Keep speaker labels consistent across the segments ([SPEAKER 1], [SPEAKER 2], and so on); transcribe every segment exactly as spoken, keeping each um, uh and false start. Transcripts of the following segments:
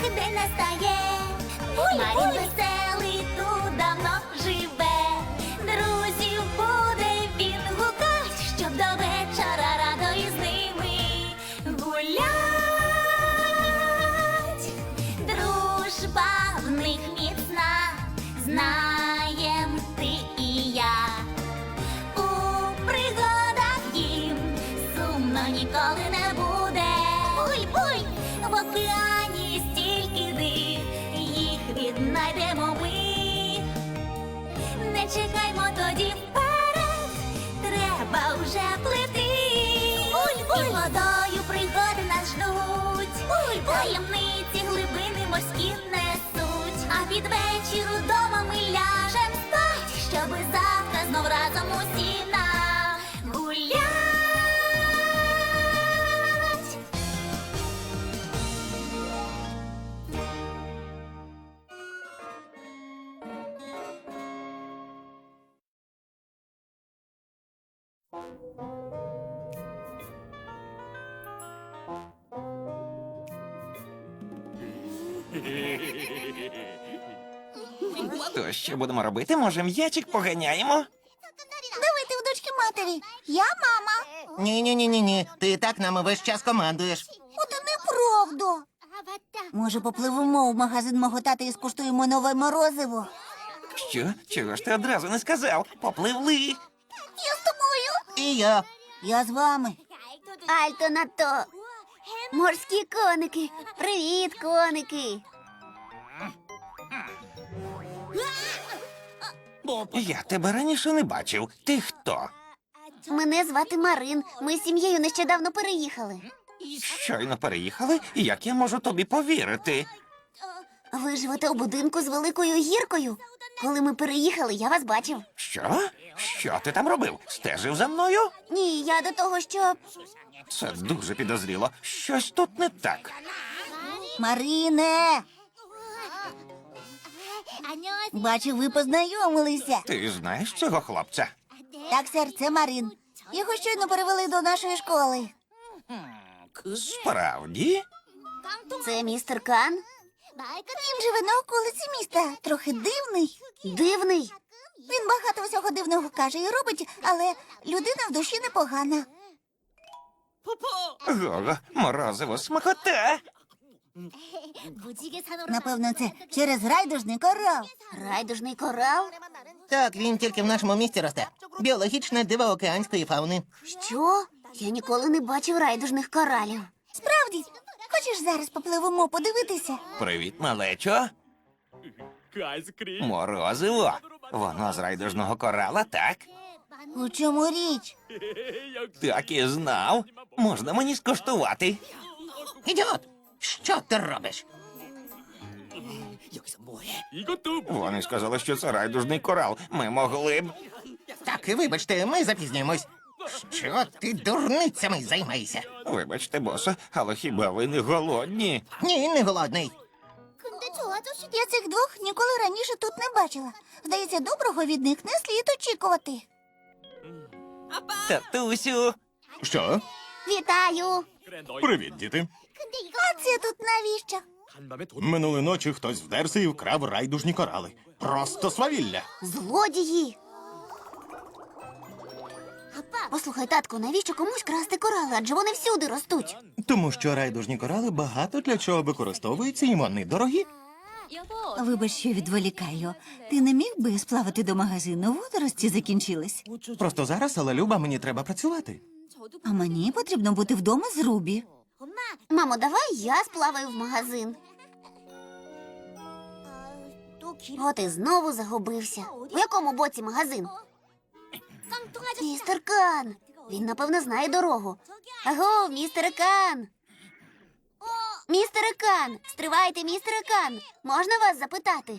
[SPEAKER 1] день настає. Марін веселий тут давно живе. Друзів буде він гукать, щоб до вечора радо із ними гулять. Дружба в них міцна, знаєм ти і я. У пригадах їм сумно ніколи не буде. Буй-буй! В океані стільки див, їх віднайдемо ми. Не чекаймо тоді вперед, треба вже плити. Буль-буль! І водою пригоди нас ждуть. Буль-буль! Таємниці глибини морські несуть. А під вечір удома ми ляжем спать, щоби завтра знов разом усі нагулять.
[SPEAKER 2] То що будемо робити? Може, м'ячик поганяємо?
[SPEAKER 1] Давайте у дочки матері. Я мама.
[SPEAKER 3] Ні-ні-ні-ні, ти і так нами весь час командуєш.
[SPEAKER 1] Оте неправда. Може, попливемо в магазин мого тата і скуштуємо нове морозиво?
[SPEAKER 2] Що? Чого ж ти одразу не сказав? Попливли.
[SPEAKER 1] Я з тобою.
[SPEAKER 3] І я.
[SPEAKER 1] Я з вами.
[SPEAKER 4] Альто на то. Морські коники. Привіт, коники.
[SPEAKER 2] Я тебе раніше не бачив. Ти хто?
[SPEAKER 4] Мене звати Марин. Ми з сім'єю нещодавно переїхали.
[SPEAKER 2] Щойно переїхали, і як я можу тобі повірити?
[SPEAKER 4] Ви живете у будинку з великою гіркою. Коли ми переїхали, я вас бачив.
[SPEAKER 2] Що? Що ти там робив? Стежив за мною?
[SPEAKER 4] Ні, я до того, що...
[SPEAKER 2] Це дуже підозріло. Щось тут не так.
[SPEAKER 1] Марине. Бачу, ви познайомилися.
[SPEAKER 2] Ти знаєш цього хлопця?
[SPEAKER 1] Так, сер, це Марин. Його щойно перевели до нашої школи.
[SPEAKER 2] Справді?
[SPEAKER 4] Це містер Кан?
[SPEAKER 1] Він живе на околиці міста. Трохи дивний.
[SPEAKER 4] Дивний.
[SPEAKER 1] Він багато всього дивного каже і робить, але людина в душі непогана.
[SPEAKER 2] Гого, морозиво, смакота.
[SPEAKER 1] Напевно, це через райдужний корал.
[SPEAKER 4] Райдужний корал?
[SPEAKER 3] Так, він тільки в нашому місті росте. Біологічне диво океанської фауни.
[SPEAKER 4] Що? Я ніколи не бачив райдужних коралів.
[SPEAKER 1] Справді, хочеш зараз попливемо подивитися?
[SPEAKER 2] Привіт, малечо. Морозиво. Воно з райдужного корала, так?
[SPEAKER 1] У чому річ?
[SPEAKER 2] Так і знав. Можна мені скуштувати?
[SPEAKER 3] Ідіот! Що ти робиш?
[SPEAKER 2] Вони сказали, що це райдужний корал. Ми могли б.
[SPEAKER 3] Так, вибачте, ми запізнюємось. Що ти дурницями займаєшся?
[SPEAKER 2] Вибачте, босе, але хіба ви не голодні?
[SPEAKER 3] Ні, не голодний.
[SPEAKER 1] Я цих двох ніколи раніше тут не бачила. Здається, доброго від них не слід очікувати.
[SPEAKER 2] Татусю.
[SPEAKER 5] Що?
[SPEAKER 4] Вітаю!
[SPEAKER 5] Привіт, діти.
[SPEAKER 1] А це тут навіщо?
[SPEAKER 5] Минулої ночі хтось вдерся і вкрав райдужні корали. Просто свавілля.
[SPEAKER 4] Злодії! Послухай, татку, навіщо комусь красти корали? Адже вони всюди ростуть.
[SPEAKER 5] Тому що райдужні корали багато для чого використовуються, і вони дорогі.
[SPEAKER 6] Вибач, що відволікаю. Ти не міг би сплавати до магазину? Водорості закінчились.
[SPEAKER 5] Просто зараз, але Люба, мені треба працювати.
[SPEAKER 6] А мені потрібно бути вдома з Рубі.
[SPEAKER 4] Мамо, давай я сплаваю в магазин. От і знову загубився. В якому боці магазин? Містер Кан. Він, напевно, знає дорогу. Аго, містере Кан. Містере Кан. Стривайте, містере Кан. Можна вас запитати?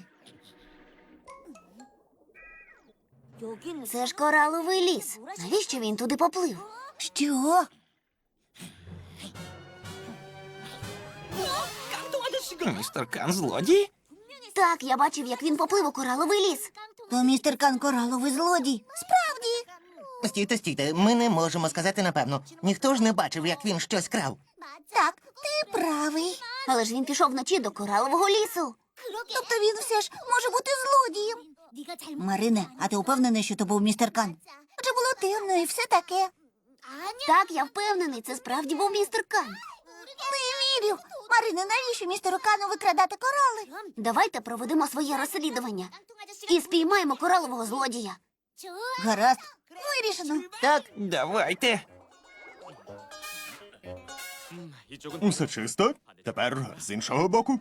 [SPEAKER 4] Це ж кораловий ліс. Навіщо він туди поплив?
[SPEAKER 1] Що?
[SPEAKER 2] Містер Кан злодій?
[SPEAKER 4] Так, я бачив, як він поплив у кораловий ліс.
[SPEAKER 1] То містер Кан кораловий злодій. Справді.
[SPEAKER 3] Стійте, стійте, ми не можемо сказати напевно. Ніхто ж не бачив, як він щось крав.
[SPEAKER 1] Так, ти правий.
[SPEAKER 4] Але ж він пішов вночі до коралового лісу.
[SPEAKER 1] Тобто він все ж може бути злодієм.
[SPEAKER 6] Марине, а ти упевнений, що то був містер Кан?
[SPEAKER 1] Адже було темно і все таке.
[SPEAKER 4] Так, я впевнений, це справді був містер Кан.
[SPEAKER 1] Не вірю. Марине, навіщо містеру Кану викрадати корали?
[SPEAKER 4] Давайте проведемо своє розслідування і спіймаємо коралового злодія.
[SPEAKER 6] Гаразд.
[SPEAKER 1] Вирішено.
[SPEAKER 3] Так,
[SPEAKER 2] Давайте.
[SPEAKER 5] Усе чисто. Тепер з іншого боку.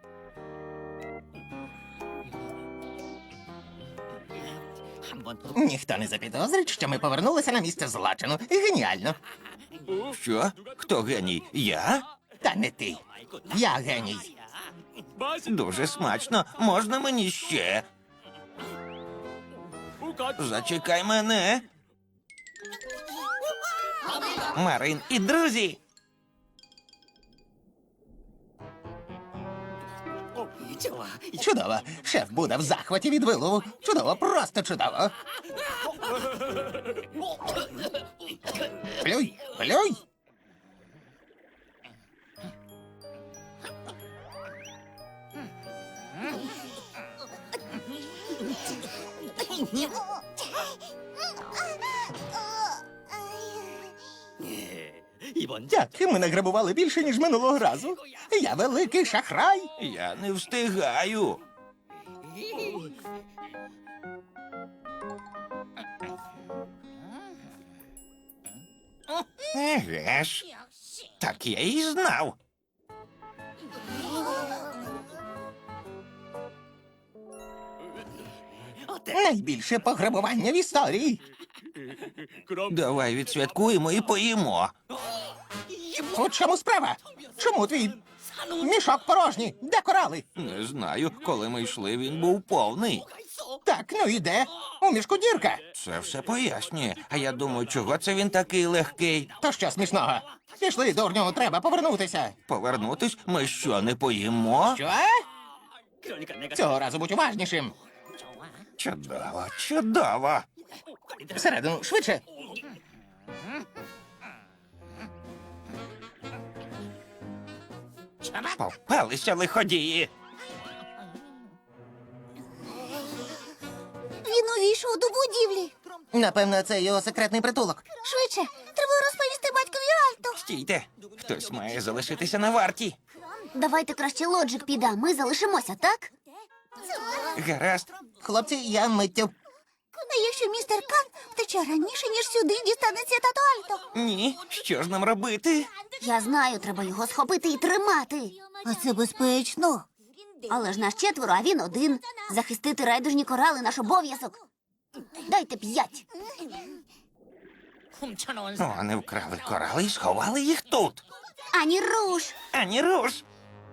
[SPEAKER 3] ніхто не запідозрить, що ми повернулися на місце злочину. Геніально.
[SPEAKER 2] Що? Хто геній? Я?
[SPEAKER 3] Та не ти. Я геній.
[SPEAKER 2] Дуже смачно. Можна мені ще? Зачекай мене. Марин і друзі.
[SPEAKER 3] Чудово. Шеф буде в захваті від вилову. Чудово, просто чудово. Плюй, плюй. Так, ми награбували більше, ніж минулого разу. Я великий шахрай.
[SPEAKER 2] Я не встигаю. Еге ж. Так я і знав.
[SPEAKER 3] Найбільше пограбування в історії.
[SPEAKER 2] Давай відсвяткуємо і поїмо.
[SPEAKER 3] У чому справа? Чому твій мішок порожній? Де корали?
[SPEAKER 2] Не знаю, коли ми йшли, він був повний.
[SPEAKER 3] Так, ну і де? У мішку дірка.
[SPEAKER 2] Це все пояснює. А я думаю, чого це він такий легкий?
[SPEAKER 3] То що смішного? Пішли, дурню, треба повернутися.
[SPEAKER 2] Повернутись? Ми що, не поїмо?
[SPEAKER 3] Що? Цього разу будь уважнішим.
[SPEAKER 2] Чудово, чудово.
[SPEAKER 3] Всередину, швидше.
[SPEAKER 2] Попалися лиходії.
[SPEAKER 1] Він увійшов до будівлі.
[SPEAKER 3] Напевно, це його секретний притулок.
[SPEAKER 1] Швидше, треба розповісти батькові Альту.
[SPEAKER 2] Стійте, хтось має залишитися на варті.
[SPEAKER 4] Давайте краще Лоджик піде, а ми залишимося, так?
[SPEAKER 2] Гаразд.
[SPEAKER 3] Хлопці, я миттю.
[SPEAKER 1] А якщо містер Кан втече раніше, ніж сюди дістанеться тато Альто?
[SPEAKER 2] Ні, що ж нам робити?
[SPEAKER 4] Я знаю, треба його схопити і тримати.
[SPEAKER 6] А це безпечно.
[SPEAKER 4] Але ж нас четверо, а він один. Захистити райдужні корали наш обов'язок. Дайте п'ять.
[SPEAKER 2] Вони вкрали корали і сховали їх тут.
[SPEAKER 4] Ані руш.
[SPEAKER 2] Ані руш.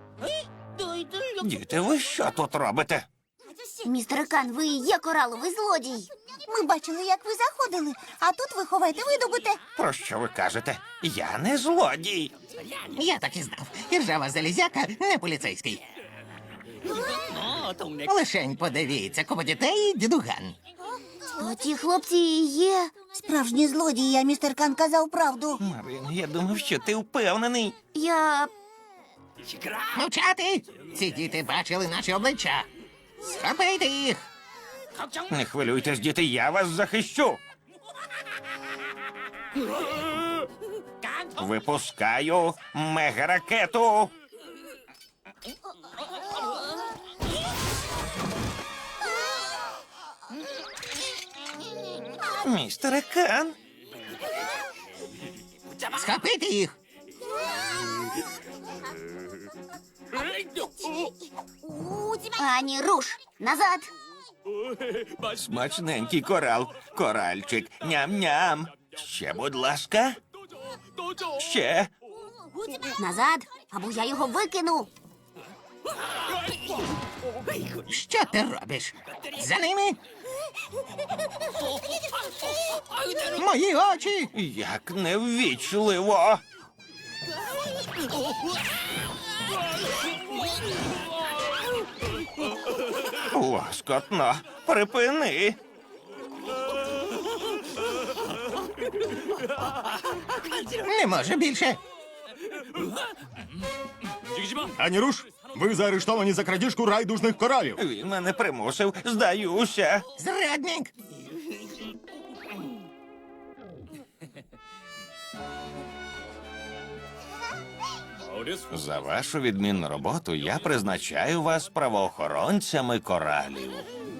[SPEAKER 2] Діти, ви що тут робите?
[SPEAKER 4] Містер Кан, ви і є кораловий злодій.
[SPEAKER 1] Ми бачили, як ви заходили, а тут ви ховаєте видобуте.
[SPEAKER 2] Про що ви кажете? Я не злодій.
[SPEAKER 3] Я так і знав. Іржава залізяка не поліцейський. Лишень подивіться, купа дітей і дідуган.
[SPEAKER 4] То ті хлопці і є.
[SPEAKER 6] Справжній злодій, а містер Кан казав правду.
[SPEAKER 2] Марин, я думав, що ти впевнений.
[SPEAKER 4] Я.
[SPEAKER 3] Мовчати! Ці діти бачили наші обличчя. Схопити їх!
[SPEAKER 2] Не хвилюйтесь, діти, я вас захищу. Випускаю мегаракету. Містере Кан,
[SPEAKER 3] Схопити їх!
[SPEAKER 4] Ані руш. Назад.
[SPEAKER 2] смачненький корал, коральчик, ням-ням. Ще, будь ласка. Ще.
[SPEAKER 4] Назад. Або я його викину.
[SPEAKER 3] Що ти робиш? За ними? Мої очі!
[SPEAKER 2] Як неввічливо. Лоскотно, припини.
[SPEAKER 3] Не може більше.
[SPEAKER 5] Ані руш, ви заарештовані за крадіжку райдужних коралів.
[SPEAKER 2] Він мене примусив, здаюся.
[SPEAKER 3] Зрадник!
[SPEAKER 2] За вашу відмінну роботу я призначаю вас правоохоронцями коралів.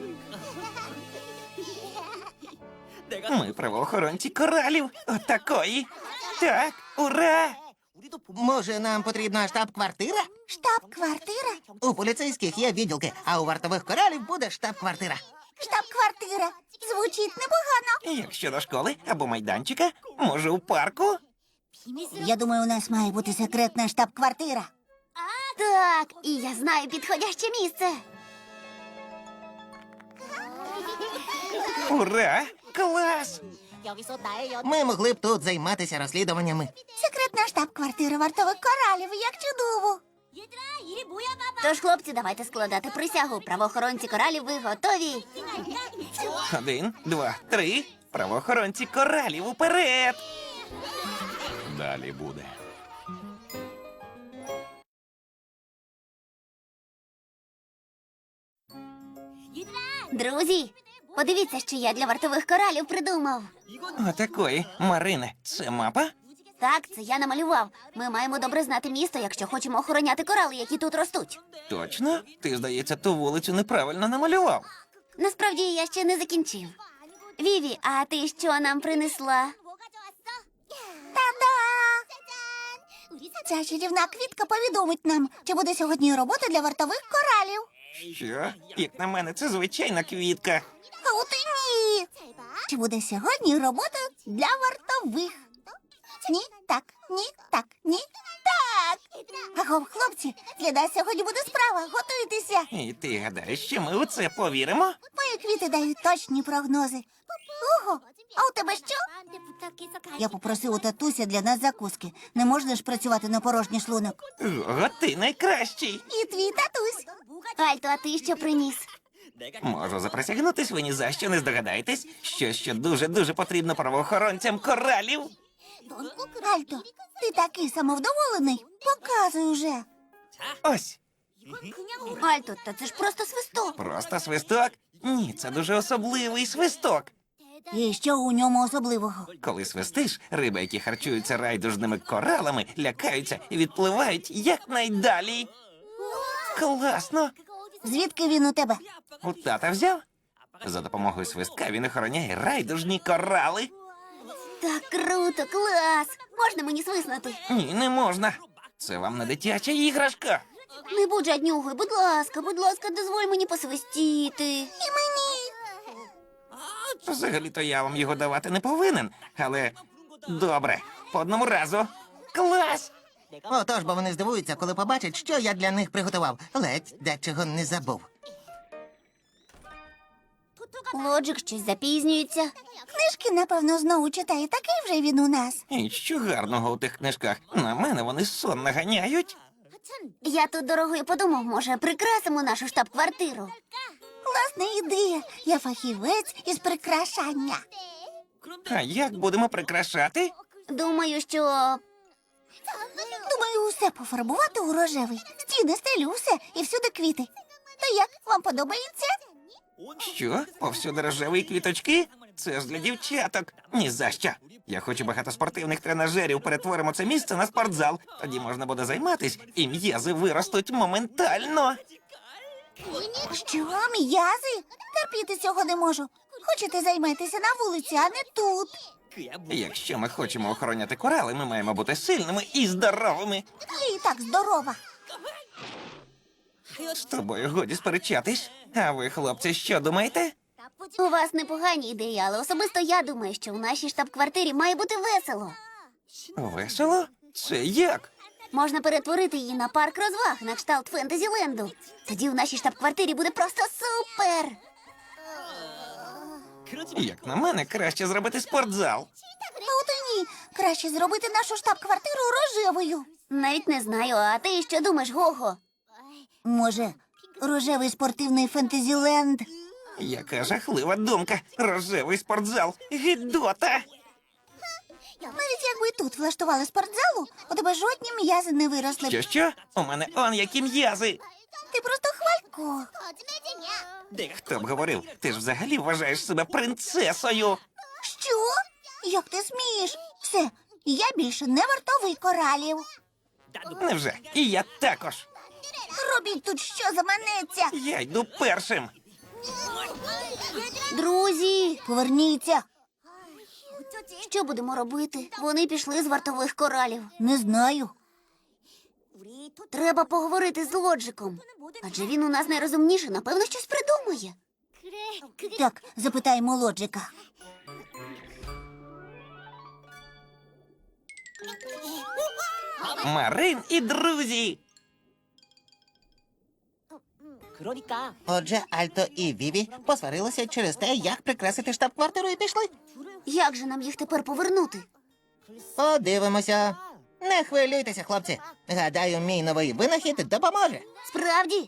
[SPEAKER 2] Ми правоохоронці коралів. Отакої. Так, ура!
[SPEAKER 3] Може, нам потрібна штаб-квартира?
[SPEAKER 1] Штаб-квартира?
[SPEAKER 3] У поліцейських є відділки, а у вартових коралів буде штаб-квартира.
[SPEAKER 1] Штаб-квартира. Звучить непогано.
[SPEAKER 2] Як щодо школи або майданчика, може, у парку?
[SPEAKER 6] Я думаю, у нас має бути секретна штаб-квартира.
[SPEAKER 4] Так, і я знаю підходяще місце.
[SPEAKER 2] Ура! Клас!
[SPEAKER 3] Ми могли б тут займатися розслідуваннями.
[SPEAKER 1] Секретна штаб-квартира вартових коралів. Як чудово.
[SPEAKER 4] Тож, хлопці, давайте складати присягу. Правоохоронці коралів, ви готові?
[SPEAKER 2] Один, два, три. Правоохоронці коралів уперед! Далі буде.
[SPEAKER 4] Друзі, подивіться, що я для вартових коралів придумав.
[SPEAKER 2] Отакої. Марине, це мапа?
[SPEAKER 4] Так, це я намалював. Ми маємо добре знати місто, якщо хочемо охороняти корали, які тут ростуть.
[SPEAKER 2] Точно? Ти, здається, ту вулицю неправильно намалював.
[SPEAKER 4] Насправді я ще не закінчив. Віві, а ти що нам принесла?
[SPEAKER 1] Та-да! Ця чарівна квітка повідомить нам, чи буде сьогодні робота для вартових коралів.
[SPEAKER 2] Що? Як на мене, це звичайна квітка.
[SPEAKER 1] А от і ні. Чи буде сьогодні робота для вартових? Ні, так, ні, так, ні, так. Агов, хлопці, для нас сьогодні буде справа. Готуйтеся.
[SPEAKER 2] І ти гадаєш, що ми у це повіримо?
[SPEAKER 1] Мої квіти дають точні прогнози. Ого, а у тебе що?
[SPEAKER 6] Я попросив у татуся для нас закуски. Не можна ж працювати на порожній шлунок.
[SPEAKER 2] Ого, ти найкращий.
[SPEAKER 1] І твій татусь.
[SPEAKER 4] Альто, а ти що приніс?
[SPEAKER 2] Можу заприсягнутись, ви ні за що не здогадаєтесь, що що дуже-дуже потрібно правоохоронцям коралів.
[SPEAKER 1] Альто, ти такий самовдоволений. Показуй уже.
[SPEAKER 2] Ось,
[SPEAKER 4] Альто, та це ж просто свисток.
[SPEAKER 2] просто свисток? Ні, це дуже особливий свисток.
[SPEAKER 6] І що у ньому особливого?
[SPEAKER 2] Коли свистиш, риби, які харчуються райдужними коралами, лякаються і відпливають якнайдалі. Класно!
[SPEAKER 6] Звідки він у тебе?
[SPEAKER 2] У тата взяв? За допомогою свистка він охороняє райдужні корали.
[SPEAKER 4] Так круто, клас! Можна мені свиснути?
[SPEAKER 2] Ні, не можна. Це вам не дитяча іграшка.
[SPEAKER 4] Не будь жаднюгою, будь ласка, будь ласка, дозволь мені посвистіти.
[SPEAKER 1] І мені.
[SPEAKER 2] Взагалі-то я вам його давати не повинен, але добре, по одному разу. Клас!
[SPEAKER 3] Отож, бо вони здивуються, коли побачать, що я для них приготував. Ледь дечого не забув.
[SPEAKER 4] Лоджик щось запізнюється.
[SPEAKER 1] Книжки, напевно, знову читає. Такий вже він у нас.
[SPEAKER 2] І що гарного у тих книжках? На мене вони сон наганяють.
[SPEAKER 4] Я тут дорогою подумав, може, прикрасимо нашу штаб-квартиру.
[SPEAKER 1] Класна ідея. Я фахівець із прикрашання.
[SPEAKER 2] А як будемо прикрашати?
[SPEAKER 4] Думаю, що
[SPEAKER 1] Думаю, усе пофарбувати у рожевий. Стіни, стелю, все і всюди квіти. То як, вам подобається?
[SPEAKER 2] Що? Повсюди рожеві квіточки? Це ж для дівчаток. Ні за що. Я хочу багато спортивних тренажерів. Перетворимо це місце на спортзал. Тоді можна буде займатись, і м'язи виростуть моментально.
[SPEAKER 1] Що, м'язи? Терпіти цього не можу. Хочете займатися на вулиці, а не тут.
[SPEAKER 2] Якщо ми хочемо охороняти корали, ми маємо бути сильними і здоровими.
[SPEAKER 1] Я і так здорова.
[SPEAKER 2] З тобою годі сперечатись. А ви, хлопці, що думаєте?
[SPEAKER 4] у вас непогані ідеї, але особисто я думаю, що у нашій штаб-квартирі має бути весело.
[SPEAKER 2] Весело? Це як?
[SPEAKER 4] Можна перетворити її на парк розваг на кшталт Фентезіленду. Тоді у нашій штаб-квартирі буде просто супер.
[SPEAKER 2] Як на мене, краще зробити спортзал.
[SPEAKER 1] А от і ні. Краще зробити нашу штаб-квартиру рожевою.
[SPEAKER 4] Навіть не знаю, а ти що думаєш, Гого?
[SPEAKER 6] Може, рожевий спортивний фентезіленд?
[SPEAKER 2] Яка жахлива думка. Рожевий спортзал. Гідота.
[SPEAKER 1] Навіть якби тут влаштували спортзалу, у тебе жодні м'язи не виросли б.
[SPEAKER 2] Що що? У мене он які м'язи.
[SPEAKER 1] Ти просто хвалько.
[SPEAKER 2] Хто б говорив, ти ж взагалі вважаєш себе принцесою.
[SPEAKER 1] Що? Як ти смієш? Все, я більше не вартовий коралів.
[SPEAKER 2] Невже? І я також.
[SPEAKER 1] Робіть тут що заманеться.
[SPEAKER 2] Я йду першим.
[SPEAKER 4] Друзі,
[SPEAKER 1] Поверніться.
[SPEAKER 4] що будемо робити? Вони пішли з вартових коралів.
[SPEAKER 1] Не знаю.
[SPEAKER 4] Треба поговорити з Лоджиком. Адже він у нас найрозумніший, напевно, щось придумає.
[SPEAKER 1] Так, запитаємо Лоджика.
[SPEAKER 2] Марин і друзі.
[SPEAKER 3] Отже, Альто і Віві посварилися через те, як прикрасити штаб-квартиру і пішли.
[SPEAKER 4] Як же нам їх тепер повернути?
[SPEAKER 3] Подивимося. Не хвилюйтеся, хлопці. Гадаю, мій новий винахід допоможе.
[SPEAKER 4] Справді?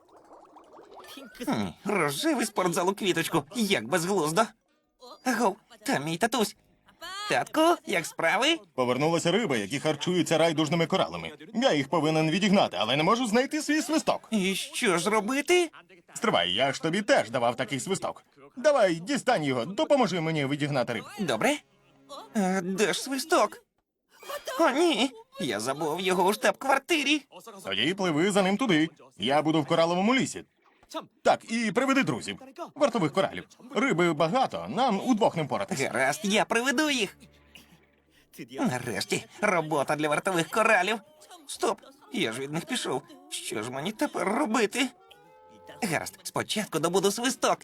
[SPEAKER 2] Хм, рожевий спортзал у квіточку. Як безглуздо. Агов, там мій татусь. Татку, як справи?
[SPEAKER 5] Повернулися риби, які харчуються райдужними коралами. Я їх повинен відігнати, але не можу знайти свій свисток.
[SPEAKER 2] І що ж робити?
[SPEAKER 5] Стривай, я ж тобі теж давав такий свисток. Давай, дістань його, допоможи мені відігнати риб.
[SPEAKER 2] Добре. А, де ж свисток? О, ні. Я забув його у штаб-квартирі.
[SPEAKER 5] Тоді пливи за ним туди. Я буду в кораловому лісі. Так, і приведи друзів. Вартових коралів. Риби багато, нам удвох не впоратись.
[SPEAKER 2] Гаразд, я приведу їх. Нарешті, робота для вартових коралів. Стоп, я ж від них пішов. Що ж мені тепер робити? Гаразд, спочатку добуду свисток.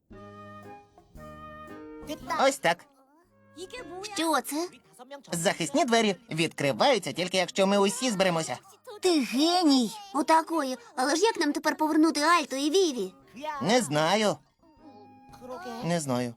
[SPEAKER 3] Ось так.
[SPEAKER 4] Що це?
[SPEAKER 3] Захисні двері відкриваються тільки якщо ми усі зберемося.
[SPEAKER 1] Ти геній.
[SPEAKER 4] Отакої. Але ж як нам тепер повернути Альто і Віві?
[SPEAKER 3] Не знаю. Не знаю.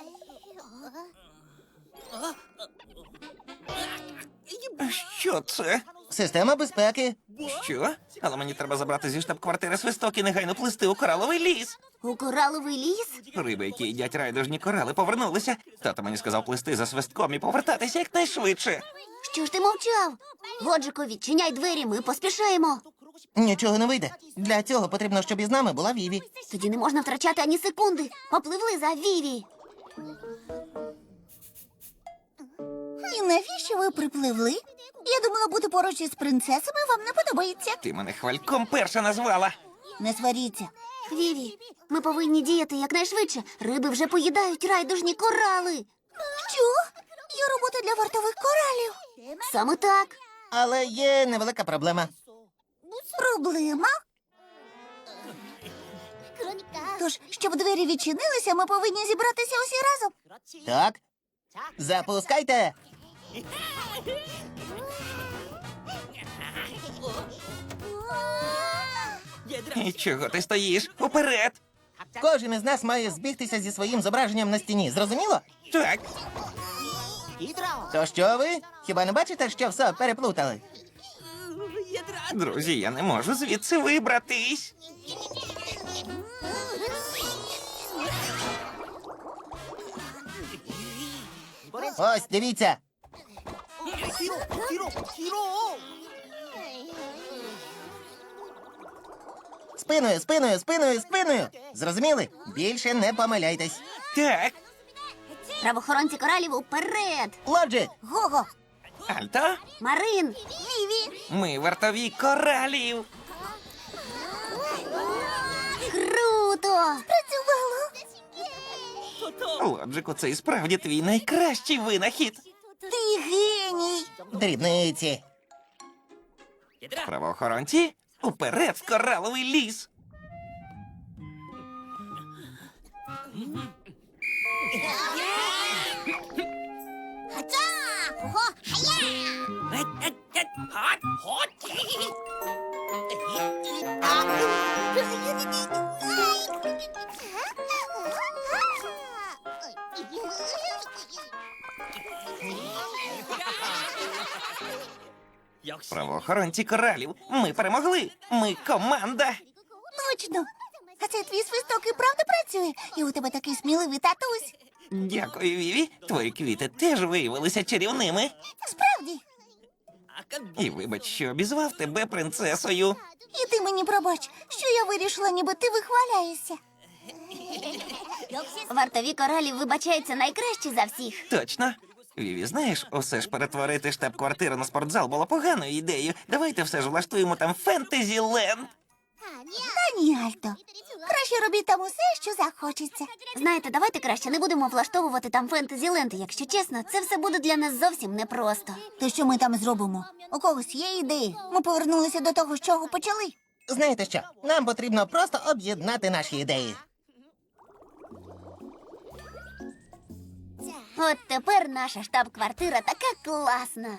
[SPEAKER 2] Що це?
[SPEAKER 3] Система безпеки.
[SPEAKER 2] Що? Але мені треба забрати зі штаб-квартири свисток і негайно плисти у кораловий ліс.
[SPEAKER 4] У кораловий ліс?
[SPEAKER 2] Риби, які їдять райдужні корали, повернулися. Тато мені сказав плисти за свистком і повертатися якнайшвидше.
[SPEAKER 4] Що ж ти мовчав? Лоджику, відчиняй двері, ми поспішаємо.
[SPEAKER 3] Нічого не вийде. Для цього потрібно, щоб із нами була Віві.
[SPEAKER 4] Тоді не можна втрачати ані секунди. Попливли за Віві.
[SPEAKER 1] І навіщо ви припливли? Я думала, бути поруч із принцесами вам не подобається.
[SPEAKER 2] Ти мене хвальком перша назвала.
[SPEAKER 1] Не сваріться.
[SPEAKER 4] Віві, ми повинні діяти якнайшвидше. Риби вже поїдають райдужні корали.
[SPEAKER 1] Що? Є робота для вартових коралів.
[SPEAKER 4] Саме так.
[SPEAKER 3] Але є невелика проблема.
[SPEAKER 1] Проблема? Тож, щоб двері відчинилися, ми повинні зібратися усі разом.
[SPEAKER 3] Так. Запускайте.
[SPEAKER 2] І чого ти стоїш? Уперед!
[SPEAKER 3] Кожен із нас має збігтися зі своїм зображенням на стіні. Зрозуміло?
[SPEAKER 2] Так,
[SPEAKER 3] То що ви? Хіба не бачите, що все переплутали?
[SPEAKER 2] друзі, я не можу звідси вибратись.
[SPEAKER 3] Ось, дивіться. Спиною, спиною, спиною, спиною. Зрозуміли? Більше не помиляйтесь.
[SPEAKER 2] Так,
[SPEAKER 4] Правоохоронці коралів уперед.
[SPEAKER 3] Лоджик,
[SPEAKER 1] Гого,
[SPEAKER 2] Альто,
[SPEAKER 4] Марин,
[SPEAKER 1] Віві,
[SPEAKER 2] ми вартові коралів.
[SPEAKER 4] круто!
[SPEAKER 1] працювало.
[SPEAKER 2] Лоджику, це і справді твій найкращий винахід.
[SPEAKER 1] Ти геній.
[SPEAKER 3] дрібниці.
[SPEAKER 2] Правоохоронці, уперед в кораловий ліс. Правоохоронці коралів, ми перемогли. Ми команда.
[SPEAKER 1] Точно. А це твій свисток і правда працює? І у тебе такий сміливий татусь.
[SPEAKER 2] Дякую, Віві. Твої квіти теж виявилися чарівними.
[SPEAKER 1] Справді.
[SPEAKER 2] І вибач, що обізвав тебе принцесою.
[SPEAKER 1] І ти мені пробач, що я вирішила, ніби ти вихваляєшся.
[SPEAKER 4] Вартові коралів вибачаються найкраще за всіх.
[SPEAKER 2] Точно. Віві, знаєш, усе ж перетворити штаб-квартиру на спортзал було поганою ідеєю. Давайте все ж влаштуємо там фентезі-ленд.
[SPEAKER 1] Та ні, Альто. Краще робіть там усе, що захочеться.
[SPEAKER 4] Знаєте, давайте краще не будемо влаштовувати там фентезі-ленти. Якщо чесно, це все буде для нас зовсім непросто.
[SPEAKER 1] То що ми там зробимо? У когось є ідеї? Ми повернулися до того, з чого почали.
[SPEAKER 3] Знаєте що? Нам потрібно просто об'єднати наші ідеї.
[SPEAKER 4] От тепер наша штаб-квартира така класна.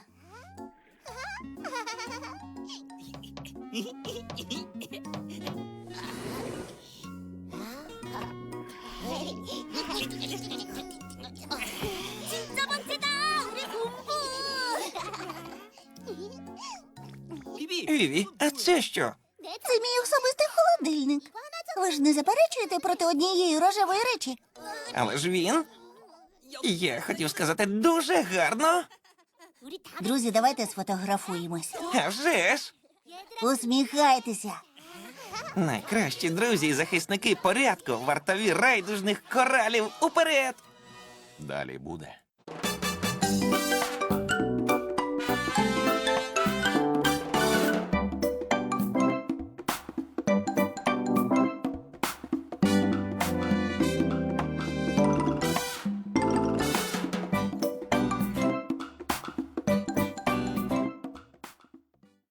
[SPEAKER 2] Віві, а це що?
[SPEAKER 1] Це мій особистий холодильник. Ви ж не заперечуєте проти однієї рожевої речі?
[SPEAKER 2] Але ж він. Я хотів сказати дуже гарно.
[SPEAKER 1] Друзі, давайте сфотографуємось.
[SPEAKER 2] А вже ж.
[SPEAKER 1] Усміхайтеся.
[SPEAKER 2] Найкращі друзі і захисники порядку, вартові райдужних коралів уперед. Далі буде.